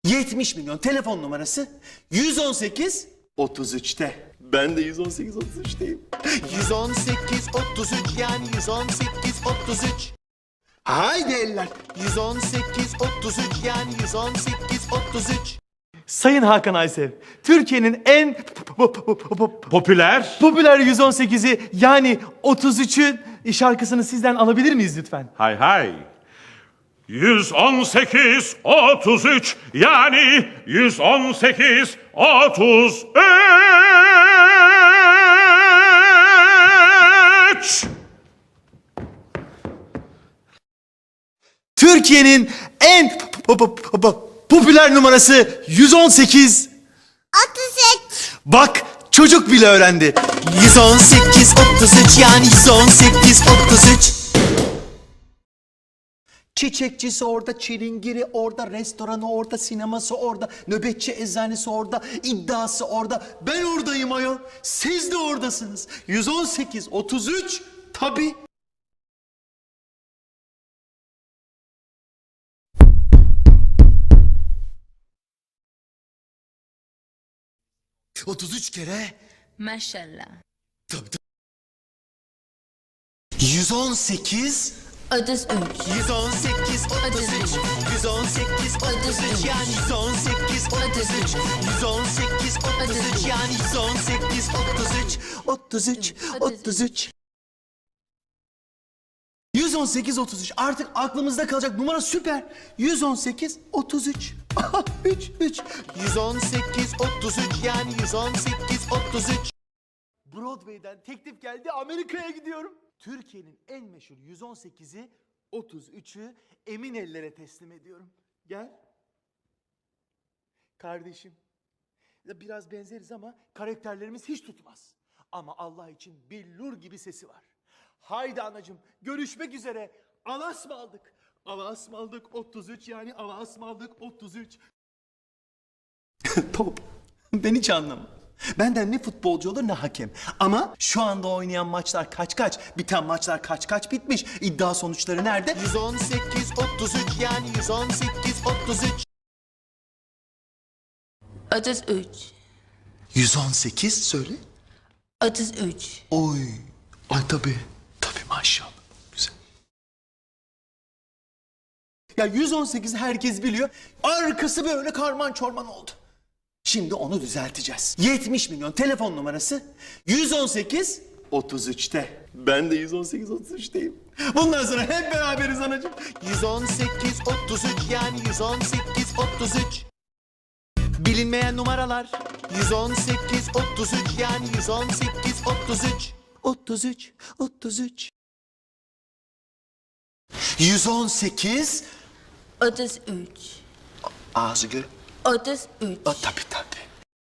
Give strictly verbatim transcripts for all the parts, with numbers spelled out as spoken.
yetmiş milyon telefon numarası yüz on sekiz otuz üçte. Ben de yüz on sekiz otuz üçteyim. yüz on sekiz otuz üç yani yüz on sekiz otuz üç. Haydi eller. yüz on sekiz otuz üç yani yüz on sekiz otuz üç. Sayın Hakan Aysev, Türkiye'nin en Popüler. popüler yüz on sekizi yani otuz üçün şarkısını sizden alabilir miyiz lütfen? Hay hay. yüz on sekiz otuz üç yani yüz on sekiz otuz üç. Türkiye'nin en popüler numarası yüz on sekiz. otuz üç. Bak çocuk bile öğrendi. yüz on sekiz otuz üç yani yüz on sekiz otuz üç. Çiçekçisi orada, çilingiri orada, restoranı orada, sineması orada, nöbetçi eczanesi orada, iddiası orada. Ben oradayım ayol. Siz de oradasınız. yüz on sekiz otuz üç tabii. otuz üç kere. Maşallah. Tabii tabii. yüz on sekiz otuz üç. yüz on sekiz otuz üç. yüz on sekiz otuz üç yani yüz on sekiz otuz üç. yüz on sekiz otuz üç yani yüz on sekiz otuz üç. otuz üç otuz üç. yüz on sekiz otuz üç artık aklımızda kalacak numara süper. yüz on sekiz otuz üç. üç üç. yüz on sekiz otuz üç yani yüz on sekiz otuz üç. Broadway'den teklif geldi, Amerika'ya gidiyorum. Türkiye'nin en meşhur yüz on sekizi otuz üçü emin ellere teslim ediyorum. Gel. Kardeşim. Ya biraz benzeriz ama karakterlerimiz hiç tutmaz. Ama Allah için billur gibi sesi var. Haydi anacığım, görüşmek üzere. Alas mı aldık? Alas mı aldık otuz üç yani alas mı aldık otuz üç. Top. Ben hiç anlamam. Benden ne futbolcu olur ne hakem. Ama şu anda oynayan maçlar kaç kaç, biten maçlar kaç kaç bitmiş. İddia sonuçları nerede? yüz on sekiz otuz üç yani yüz on sekiz otuz üç. otuz üç. yüz on sekiz söyle. otuz üç. Oy. Ay tabii. Tabii maşallah. Güzel. Ya yüz on sekiz herkes biliyor. Arkası böyle karman çorman oldu. Şimdi onu düzelteceğiz. yetmiş milyon telefon numarası yüz on sekiz otuz üçte. Ben de yüz on sekiz otuz üçteyim. Bundan sonra hep beraberiz anacığım. yüz on sekiz otuz üç yani yüz on sekiz otuz üç. Bilinmeyen numaralar. yüz on sekiz otuz üç yani yüz on sekiz otuz üç. otuz üç otuz üç. yüz on sekiz otuz üç. ağzı gör. otuz üç. Aa, tabii tabii.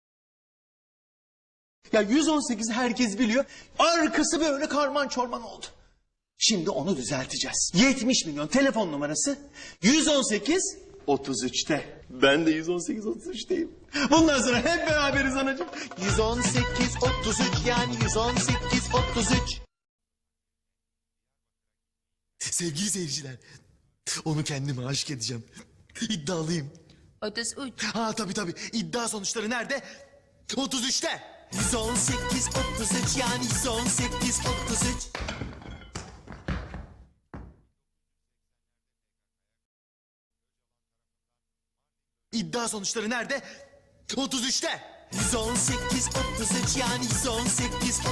Ya yüz on sekiz herkes biliyor. Arkası böyle karman çorman oldu. Şimdi onu düzelteceğiz. yetmiş milyon telefon numarası yüz on sekiz otuz üçte. Ben de yüz on sekiz otuz üçteyim. Bundan sonra hep beraberiz anacığım. yüz on sekiz otuz üç yani yüz on sekiz otuz üç. Sevgili seyirciler, onu kendime aşık edeceğim. İddialıyım. otuz üç. Ha tabii tabii. İddia sonuçları nerede? otuz üçte. yüz on sekiz otuz üç yani yüz on sekiz otuz üç. İddia sonuçları nerede? otuz üçte. yüz on sekiz otuz üç yani yüz on sekiz